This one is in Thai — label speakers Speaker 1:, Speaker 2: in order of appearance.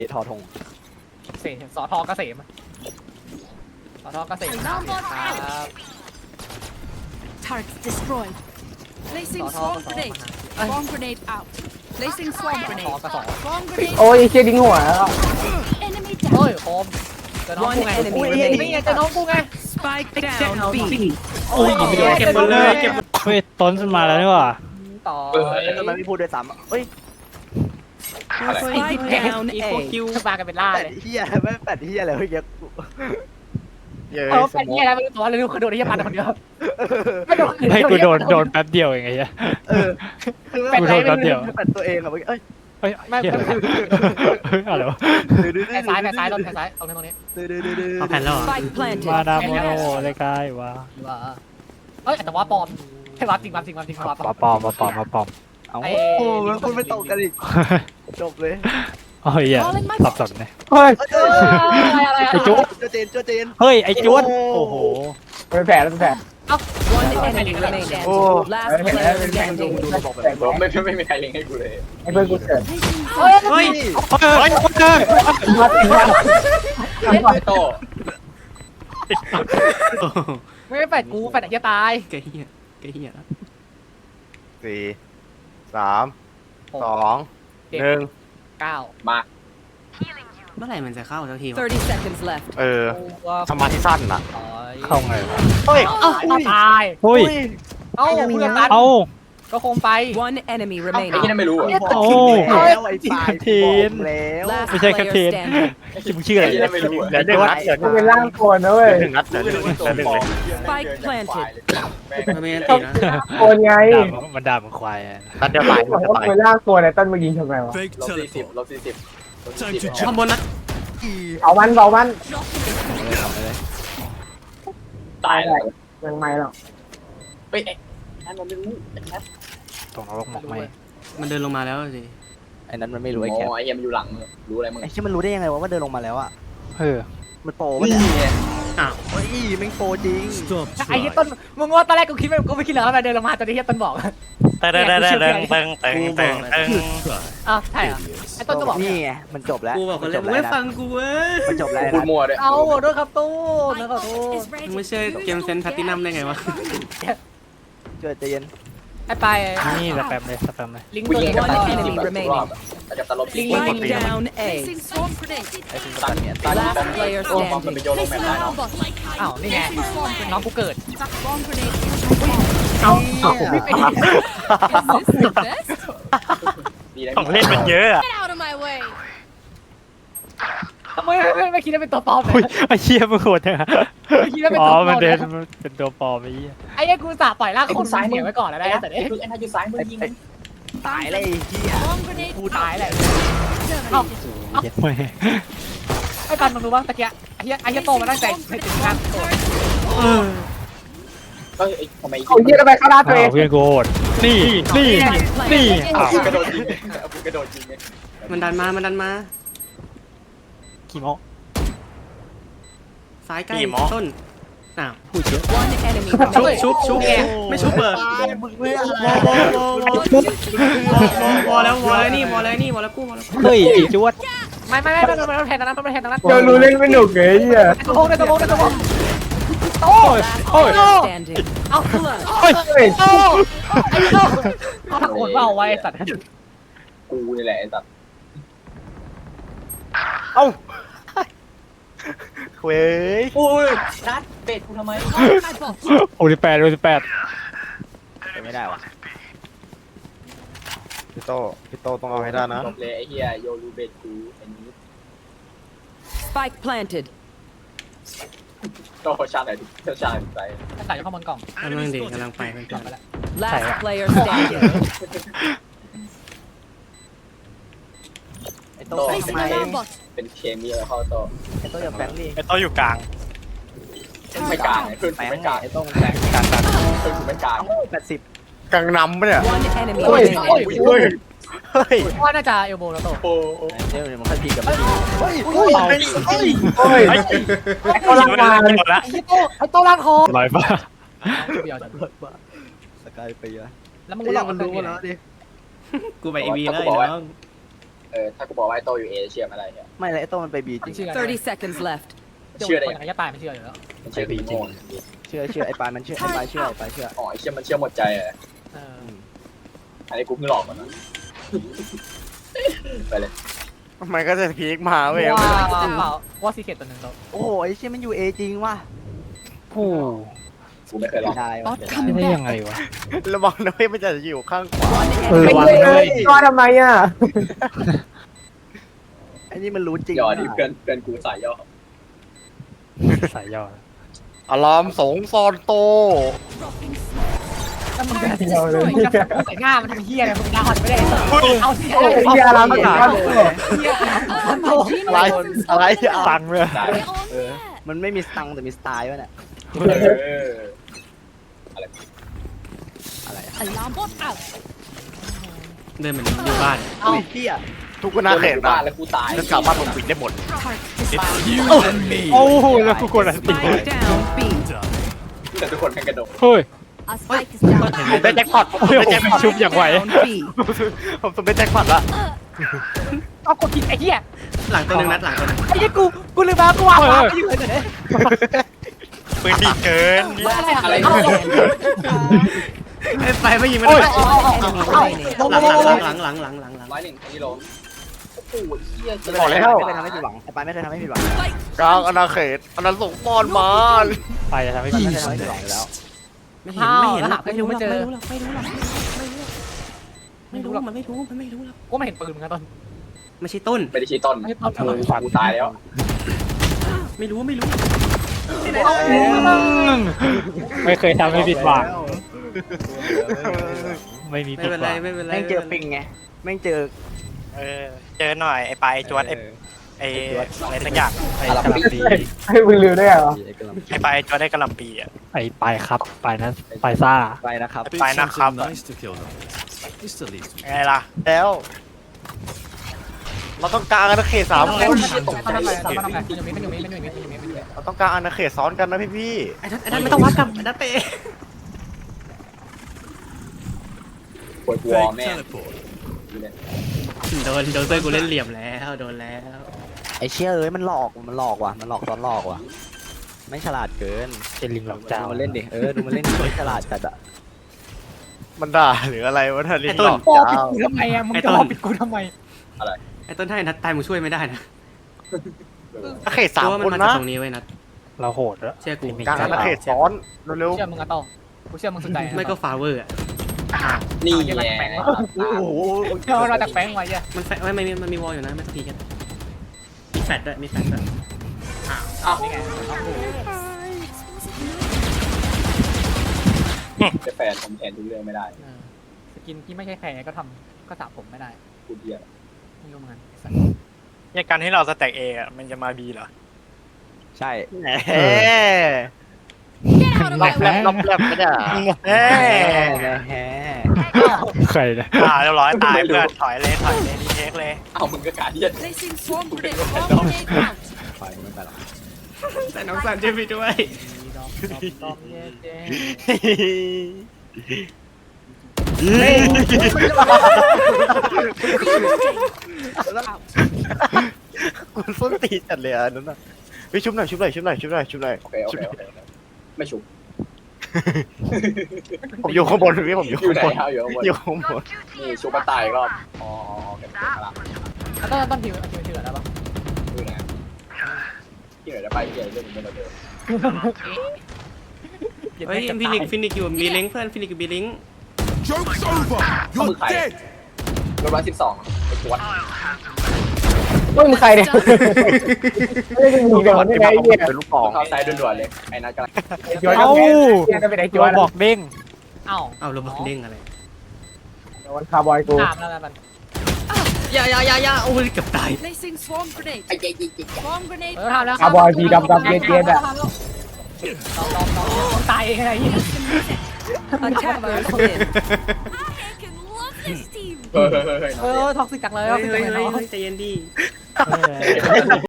Speaker 1: ทอทง
Speaker 2: เสมสอทอเกษมสอทอเกษมครับ
Speaker 3: Targets destroyed. Placing
Speaker 2: Sort of,
Speaker 3: swarm
Speaker 2: sort of.
Speaker 3: grenade. Swarm grenade out. Placing swarm grenade. Swarm grenade.
Speaker 4: โอ้ยเชี่ยดิ้งหัวแล้ว
Speaker 3: Enemy
Speaker 2: เฮ้ย
Speaker 3: down.
Speaker 2: โคมเจอน้องกูไง
Speaker 3: One enemy
Speaker 2: นี่ไงเจอน้องกูไง
Speaker 3: Spike down B.
Speaker 2: โอ้ยเก็บหมดเลยเก็บ
Speaker 5: เฮ้ยต้นมาแล้วนี่หว่า
Speaker 2: ต่อ
Speaker 1: ทำไมไม่พูดด้วยซ้ำเฮ้ย
Speaker 3: Spike down
Speaker 2: อีโค
Speaker 3: A.
Speaker 2: คิวมากันเป็นล่า
Speaker 1: แปด
Speaker 2: เลย
Speaker 1: เฮียไม่แปดเฮียอะไรเฮ้ยเยอะ
Speaker 2: เออเป็นยังไงไม่รู้ตัวเลยรู้เขาโดนที่ยันคนเดียวไม่โดน
Speaker 5: ให้กูโดนแป๊บเดียวเองไงเหี้ย
Speaker 1: คือ
Speaker 5: กูโดนแป๊บเดียว
Speaker 1: แปดตัวเองอะเมื่อกี้เอ้ย
Speaker 5: เฮ้ย
Speaker 2: ไม่
Speaker 5: เหี้ยอะไรวะ
Speaker 2: แผ่ซ้ายแผ่ซ้ายตรงนี้
Speaker 5: เอาแผ่นแล้ว
Speaker 3: Spike planted.
Speaker 5: มาดามโมโนเลยกายว่า
Speaker 2: ว่าเอ้ยแต่ว่าปลอมให้ว่าจริงว่าปลอม
Speaker 5: มาปอม
Speaker 1: เอาโอ้มันคุณไม่ตกกันอีกจบเลย
Speaker 5: โอ้ยเหี้ยสับสนเลย
Speaker 4: เฮ้ย
Speaker 2: อะไร
Speaker 5: ไอ้จุ๊บ
Speaker 1: เจน
Speaker 5: เฮ้ยไอ้จวดโอ้โห
Speaker 4: เป็นแผลแล้วเป็นแผล
Speaker 3: One enemy remaining.
Speaker 4: โอ้
Speaker 3: Last
Speaker 4: เป็นแผล
Speaker 3: player
Speaker 4: เป็นแผลดู
Speaker 3: standing.
Speaker 4: ดูบอกแบบ
Speaker 6: ไม่มีใครเล็งให้กูเลย
Speaker 4: ไอ้เพื่อนกูเกิด
Speaker 2: เฮ้ย
Speaker 5: เฮ้ยคนเจอ
Speaker 4: มาติดมา
Speaker 6: ไอ้โต
Speaker 2: ไม่แปดกูแปดจะตาย
Speaker 7: แกเฮียแล้ว
Speaker 1: สี่สามสองหนึ่ง
Speaker 2: เก้า
Speaker 6: มา
Speaker 7: เมื่อไหร่มันจะเข้าสักทีวะ
Speaker 3: 30 seconds left.
Speaker 1: สมาธิสั้นอ่ะ
Speaker 5: เข้าไง
Speaker 1: เฮ้ย
Speaker 2: เอ้าตาย
Speaker 5: เฮ้ย
Speaker 2: เอ้าเพื่อนตัน
Speaker 5: เอ้า
Speaker 2: ก็คงไป
Speaker 3: One enemy
Speaker 6: ไอ้ที่
Speaker 3: remaining.
Speaker 6: นั่นไม่รู้อ่ะ
Speaker 5: โอ้
Speaker 1: แล้วไอ้ปลาย
Speaker 5: ทีน
Speaker 1: แล้ว
Speaker 3: Last
Speaker 5: ไม่ใช่แคปเท
Speaker 3: player
Speaker 5: น
Speaker 3: standing.
Speaker 5: มึงชื่ออะไร
Speaker 6: ไอ้ที่นั่นไม่รู้อ่ะ
Speaker 1: เดี๋ยวหนึ่งนัดเดี๋ยว
Speaker 4: มันเป็นร่างโกนนะเว้ย
Speaker 1: หนึ่งนัดเดี๋ยวหนึ่ง
Speaker 3: Spike planted.
Speaker 7: มันไม่ได้ตีนะ
Speaker 4: โกนไง
Speaker 5: มันด่ามึงควาย
Speaker 1: นัดเดียวตาย
Speaker 4: บอกว่าเป็นร่างโกนไอ้ต้นมายิงทำไมวะ
Speaker 6: ลบ40
Speaker 7: ข้างบนนะ
Speaker 4: เอามัน
Speaker 6: ตายแล้ว
Speaker 4: ยังไม่หรอก
Speaker 6: เฮ้ยนั่นมันไม่รู้
Speaker 5: ตรงนรกหมกไหม
Speaker 7: มันเดินลงมาแล้วสิ
Speaker 1: ไอ้นั้นมันไม่รู้
Speaker 6: ไอ้
Speaker 1: ไอ้แคป
Speaker 6: ไอ้เหี้ยมันอยู่หลังรู้อะไรมึง
Speaker 1: ไอ้ที่มันรู้ได้ยังไงว่าเดินลงมาแล้วอ่ะ
Speaker 5: เออ
Speaker 1: มันโปรวะเนี่ย
Speaker 7: อ้าว
Speaker 1: เฮ้ยแม่งโปรจริง
Speaker 2: ไอ้ที่ต้นมึงว่าตอนแรกกูคิดไม่คิดเลยว่าเดินลงมาตอนที่ต้นบอก
Speaker 5: แต่
Speaker 2: อ้าวใช่เหรอไอ้ต้นก็บอก
Speaker 1: นี่ไงมันจบแล้ว
Speaker 7: กูบอกคนเลย
Speaker 1: จบ
Speaker 7: มึง
Speaker 1: แล้ว
Speaker 7: ไม่
Speaker 1: นะ
Speaker 7: ฟังกูเว้ย
Speaker 1: มันจบแล้ว
Speaker 6: พูด
Speaker 1: นะ
Speaker 6: มั่วด้วย
Speaker 2: เอาด้วยครับตู้นะขอโทษ
Speaker 7: มึงไม่ใช่เกมเซนแพตตินัมได้ไงวะ
Speaker 1: เจอใจเย็น
Speaker 2: ไอ้ไป
Speaker 5: นี่สแปมเลย
Speaker 2: ลิงก์
Speaker 6: กู
Speaker 2: ตัว
Speaker 6: ยิง
Speaker 2: นี้
Speaker 6: กัน
Speaker 3: One
Speaker 6: ตาย
Speaker 3: enemy
Speaker 6: 40 รอบแต่กับตลบลิง
Speaker 3: Spike down A.
Speaker 6: ไอ้คุณตันเนี่ยตัน
Speaker 3: Last player
Speaker 6: โอ้มันไป
Speaker 3: standing.
Speaker 6: โยนลงแมปได้เนาะ
Speaker 2: อ้าวนี่ไงน้องกูเกิด
Speaker 3: Swarm grenade.
Speaker 2: เอา
Speaker 6: ดีนะ
Speaker 5: ของเล่นมันเยอะอะ
Speaker 3: Get out of my way.
Speaker 2: ทำไมไม่คิดว่าเป็นตัวปลอมเล
Speaker 5: เฮ้ย
Speaker 2: ย
Speaker 5: ไอ้เชี่ยมึงโหดจังอะ
Speaker 2: ไม่คิดว่าเป็น
Speaker 5: อ๋
Speaker 2: ตั
Speaker 5: อ
Speaker 2: วปล
Speaker 5: มั
Speaker 2: อน ม
Speaker 5: เดินเป็นตัวปลอมไอ้เหี้ย
Speaker 2: ไอ้กูสาปล่อยร่างคนเสียไว้ก่อนแล้วได้แต่เนี่ย
Speaker 6: คือไอ้นายอยู่ซ้ายมือยิง
Speaker 1: ตายเลยไอ้เหี้ย
Speaker 3: Swarm grenade.
Speaker 2: กูตายแหละเอ้า
Speaker 5: เย็ดแม่
Speaker 2: ไอ้กันมึงรู้ป่ะตะเกียไอ้เหี้ยโตมาตั้งใจให้ถึงทางตัว
Speaker 6: เฮ้ยทำไม
Speaker 4: เอาเยี่ยทำไมเข้าหน้าตัวเอง
Speaker 5: เพื่อนกูโหดนี่อ้าว
Speaker 6: กระโดดยิงกระโดดยิง
Speaker 7: มันดันมา
Speaker 5: ขี้โม
Speaker 7: ซ้ายใกล้ต้นอ้าว
Speaker 5: พูดเยอะ
Speaker 3: One enemy remaining.
Speaker 7: ชุบไม่ชุบเบอร์วอแล้วนี่วอแล้วกู้
Speaker 5: เฮ้ยไอ้จวด
Speaker 2: ไม่แทนตรงนั้นแทนตรงนั้น
Speaker 4: เดี๋ยวรู้เล่นไม่หนุกเลยไอ้เหี้ย
Speaker 2: ตัวโค้งตัวโค้งโต
Speaker 5: โอ้ย
Speaker 3: Player standing.
Speaker 2: เอา
Speaker 4: เฮ้ย
Speaker 2: โตไอ้โตเอาถักโอนว่าเอาไว้สัตว์
Speaker 6: กูนี่แหละไอ้สัตว์
Speaker 1: เอ้าเว้ย
Speaker 6: โอ้ยนัดเป็ดกูทำไม
Speaker 5: 68
Speaker 1: ไม่ได้ว่ะพี่โตต้องเอาให้ได้นะ
Speaker 6: จบเลยไอ้เหี้ยโยรูเบ็ดกูไอ้นี้
Speaker 3: Spike planted.
Speaker 6: โตชาติไหนชาติไหน
Speaker 2: ใส่เข้าบนกล่อง
Speaker 7: กำลังเด็กกำลังไปเพื่อน
Speaker 3: Last player standing.
Speaker 1: ไอ้โตทำไม
Speaker 6: เป็นเคมีอะไรเข้าโต
Speaker 1: ไอ้โตอย่าแฝงดิ
Speaker 5: ไอ้โตอยู่กลาง
Speaker 6: ไม่กลางขึ้น
Speaker 1: แฝง
Speaker 6: ไม่กลาง
Speaker 1: ไอ้โตมันแฝงกลาง
Speaker 6: ขึ้นไม่กลาง
Speaker 1: 80กลางนำปะเนี่ย
Speaker 3: One enemy
Speaker 1: เฮ้ย
Speaker 3: remaining.
Speaker 1: เฮ้ยเฮ้ย
Speaker 2: ว่าน่าจะเอลโบแล้วโต
Speaker 6: โอ้
Speaker 1: เดี๋ยวมันค่อยพีกับเฮ้ยเฮ้ย
Speaker 4: โอ้ยไอ้เขาลังมา
Speaker 2: ไอ้โตร่างคอ
Speaker 5: ลอยฟ้า
Speaker 2: เดียว
Speaker 1: สกายไปอะ
Speaker 2: แล้วมึง
Speaker 1: ไอ้
Speaker 2: ก็หล
Speaker 1: ยั
Speaker 2: อก
Speaker 1: งมันรู้มาแล้วดิ
Speaker 7: กูไปเอวีแล้วไอ้น้อง
Speaker 6: ถ้ากูบอกว่าไอ้โตอยู่เอเชื่อไม่ได้เนี่ย
Speaker 1: ไม่เลยไอ้โต้มันไปบีจริง
Speaker 3: 30 seconds left.
Speaker 6: เชื่อได้
Speaker 2: คน
Speaker 6: ยัง
Speaker 2: ไหนจะตายไม่เชื่ออยู่แล้ว
Speaker 6: มันเชื่อดีจริง
Speaker 1: เชื่อไอ้ปานมันเชื่อไอ้ปานเชื่อไอ้ปานเชื่อ
Speaker 6: อ๋อไอ้เชื่อมันเชื่อหมดใจอ่ะ
Speaker 2: เออ
Speaker 6: อันนี้กูเพิ่งหลอกมันนะไปเลย
Speaker 1: มันก็จะพีคมาเว้ย
Speaker 2: ว่าเปล่าว่าซีเคตตัวหนึ่งเรา
Speaker 1: โอ้โหไอ้เชี่ยมันอยู่เอจริงว่ะ
Speaker 5: โอ้
Speaker 6: กูไม่เคยหลอก
Speaker 1: ได้ว่ะ
Speaker 3: Bot
Speaker 5: ไม่
Speaker 3: coming
Speaker 5: ได้
Speaker 3: back.
Speaker 5: ยังไงวะ
Speaker 1: ระวังนะเว้ยมันจะอยู่ข้างขวา
Speaker 5: ระวังเลย
Speaker 4: ก็ทำไมอ่ะ
Speaker 1: ไอ้นี่มันรู้จริง
Speaker 6: ย่อดิเพื่อนกูสายย่อ
Speaker 5: สายย่อ
Speaker 1: อารามสงซอนโต
Speaker 2: ถ้ามึงจะใส่หน้ามันทำเฮียอะไรมึงดาวหันไม่ได้เอาเสีย
Speaker 4: ไอ้เหี้ยรามสงก็
Speaker 2: เฮีย
Speaker 1: อะไรอะไรอ่ะ
Speaker 5: ตังค์เลย
Speaker 6: ได้
Speaker 1: มันไม่มีสตังค์แต่มีสไตล์วะเนี่ย
Speaker 3: Alarm bot out.
Speaker 7: เดินเหมือนอยู่บ้าน
Speaker 1: เอ้าเฮียทุกคนน่าเข็น
Speaker 6: บ้า
Speaker 1: นะ
Speaker 6: นแล้วกูตาย
Speaker 1: ฉันสามารถปกปิดได้หมด
Speaker 5: โอ้โหแล้วกูกดอะไรติด
Speaker 3: Spike down B.
Speaker 6: แต่ทุกคนแข่งกระโดด
Speaker 5: เฮ้ย
Speaker 3: A spike is down.
Speaker 1: ผมได้แจ็คพอตผมได้แจ็คพอต
Speaker 5: ชุบอย่างไว
Speaker 3: Down B.
Speaker 1: ผมได้แจ็คพอตละ
Speaker 2: เอากดผิดไอ้เฮีย
Speaker 7: หลังตัวหนึงนัดหลังตัวหนึง
Speaker 2: ไอ้เฮียกูลืมมากูวางวางอยู่เลยเนี่ย
Speaker 5: ปืนดีเกิน
Speaker 6: อะไร
Speaker 7: ไปไม่ยิงไม่ได้หลัง
Speaker 6: ร้อยหนึ่งไอ้โลโอ้โหเฮียจะ
Speaker 1: บอกแล้วไม่เคยทำให้ผิดหวังไอ้ปานไม่เคยทำให้ผิดหวังกลางอาณาเขตอาณาสงฆ์ปอนมา
Speaker 5: ไปจะทำให้
Speaker 1: ไม่
Speaker 5: พี่
Speaker 1: เคยทำให้ผิดหวังอยู่แล้ว
Speaker 7: ไม่เห็นไม่เห็น
Speaker 2: ไม่รู้ไม่เจอ
Speaker 7: ไม่รู้มันไม่รู้มันไม่รู้หรอก
Speaker 2: กูไม่เห็นปืนมึงนะต้น
Speaker 7: ไม่ใช่ต้น
Speaker 6: ไม่ได้ชี้ต้น
Speaker 2: ไม่ใช่ต้น
Speaker 6: กูตายแล้ว
Speaker 7: ไม่รู้
Speaker 5: ไม่เคยทำให้ผิดหวังไม่มี
Speaker 7: ไม่
Speaker 5: ผิด
Speaker 7: เป็น
Speaker 5: ห
Speaker 7: ไร
Speaker 5: วัง
Speaker 7: ไม่เป็นไร
Speaker 1: แม่งเจอปิงไงแม่งเจอ
Speaker 5: เจอหน่อยไอ้ปลายจวดไอ้อะไรสักอย่างไอ้กะหล่ำปี
Speaker 4: ให้มึงลืมได้เหรอ
Speaker 5: ไอ้ปลายจวดได้กะหล่ำปีอ่ะไอ้ปลายครับปลายนั้นปลายซ่า
Speaker 1: ไปนะครับ
Speaker 5: ปลายนะครับ
Speaker 8: Nice to kill them. It's the least.
Speaker 5: ไงล่ะ
Speaker 1: แล้ว เราต้องการอาณาเขตสามคน
Speaker 2: มันทำอะไรมันอยู่มี
Speaker 1: เราต้องการอาณาเขตซ้อนกันนะพี่
Speaker 7: ไอ้นั่นไม่ต้องวัดกับไอ้นั่นเป
Speaker 6: ปวดหัว
Speaker 8: Fake
Speaker 6: แม่
Speaker 8: teleport.
Speaker 7: โดนเต้ยกูเล่นเหลี่ยมแล้วโดนแล้ว
Speaker 1: ไอ้เชี่ยเอ้ยมันหลอกว่ะมันหลอกซ้อนหลอกว่ะไม่ฉลาดเกิน
Speaker 5: เป็นลิงหลอกเจ้า
Speaker 1: ดูมันเล่นดิดูมันเล่นดิไม่ฉลาดจัดอะมันด่าหรืออะไรวะท่านลิงหลอก
Speaker 2: ปอปิด
Speaker 1: เจ้า
Speaker 2: กูทำไมอะมึงจะปิดกูทำไม
Speaker 7: ไอ้ต้นถ้าไอ้นัดตายมึงช่วยไม่ได้นะ
Speaker 1: อาณาเขตสาม
Speaker 7: เพราะว่า
Speaker 1: คน
Speaker 7: มันมาจาก
Speaker 1: นะ
Speaker 7: ตรงนี้ไว้นัด
Speaker 5: เราโหดแล้ว
Speaker 7: เชื่อกู
Speaker 1: กลางอาณาเขตซ้อนเร็ว
Speaker 2: เชื่อมึงอะต่อกูเชื่อมึงสนใจ
Speaker 7: ไม่ก็ฟาเวอร์อ่ะ
Speaker 6: นี่
Speaker 2: เชื่อ
Speaker 6: แห
Speaker 2: มัน
Speaker 6: ละ
Speaker 2: แฝง
Speaker 1: ๆโอ้โห
Speaker 2: เชื่อมันจากแฝงไว้เหี้ย
Speaker 7: มันมันมีวอลอยู่นะไม่ต้องพีกันมีแฟลชด้วยมีแฟลชด้วย
Speaker 2: นี่ไง
Speaker 6: จะแฟนผมแทนทุกเรื่องไม่ได้
Speaker 2: สกินที่ไม่ใช่แฝงก็ทำก็สระผมไม่ได้
Speaker 6: กูเดียว
Speaker 2: ไม่รู้เหมือนกัน
Speaker 5: เนี่ยการที่เราสแต็กเองอ่ะมันจะมาบีเหรอ
Speaker 1: ใช่แหม
Speaker 3: Get out of
Speaker 1: ล็อ
Speaker 3: my
Speaker 1: กแลบ
Speaker 3: way.
Speaker 1: ล็อกแลบไม่ได้
Speaker 5: เฮ้
Speaker 1: แหม
Speaker 5: ใครเนี่ยเรียบร้อยตายเพื่อนถอยเลยดีเทคเลย
Speaker 6: เอามึงก็การเดียน
Speaker 3: Placing swarm grenade. Swarm grenade out.
Speaker 1: ไปไม่ไปหรอก
Speaker 7: แต่น้องสันช่วยพี่ด้วย
Speaker 2: ดอมเย่เจ
Speaker 1: คุณส้นตีนจัดเลยอ่ะนั่นน่ะไปชุบหน่อย
Speaker 6: โอเคไม่ชุบ
Speaker 1: ผมอยู่ข้างบนพี่ผมอยู่
Speaker 6: อยู่
Speaker 1: ข้าง
Speaker 6: ไหน
Speaker 1: บน
Speaker 6: เอาอยู่ข้างบน
Speaker 1: อยู่ข้างบน
Speaker 6: นี่ชุบมาตายก็อ๋อเก็บมาละ
Speaker 2: ต้นผิวแล้วปะ
Speaker 6: ดูนะที่ไหนจะไปที่ไหนเรื่องมันเดิม
Speaker 7: เฮ้ยฟินิกอยู่บีลิงเพื่อนฟินิกอยู่บีลิง
Speaker 8: Joke's over. You're dead.
Speaker 6: รถ112ไอ้ปวด
Speaker 4: มึงใครเนี่ยไม่ได้มึงเดี๋ยวนี่ไงไอ้เหี้ย
Speaker 1: เป็นลูกกอง
Speaker 6: เข้าซ้ายด่วนๆเลยไอ้นัทกำลัง
Speaker 4: ไอ้จวนจะเป็นไอ้จวน
Speaker 5: บอกเด้ง
Speaker 2: เอ้า
Speaker 7: เอาเราบอกเด้งอะไร
Speaker 4: วันคาร์บอยกู
Speaker 2: ตามแล้วมัน
Speaker 7: อย่าโอ้ยเกือบตาย
Speaker 3: Placing swarm grenade.
Speaker 6: ไอ้เจ๊
Speaker 3: Swarm grenade.
Speaker 2: ทำแล้ว
Speaker 4: คาร์บอยสีดำเย็นๆอ่ะ
Speaker 2: ตายอะไรอย่างเงี้ย
Speaker 3: Attackers win. I love this team.
Speaker 6: เฮ้ย
Speaker 2: ท็อกซิกจังเลย
Speaker 7: เฮ้ยใจเย็นดี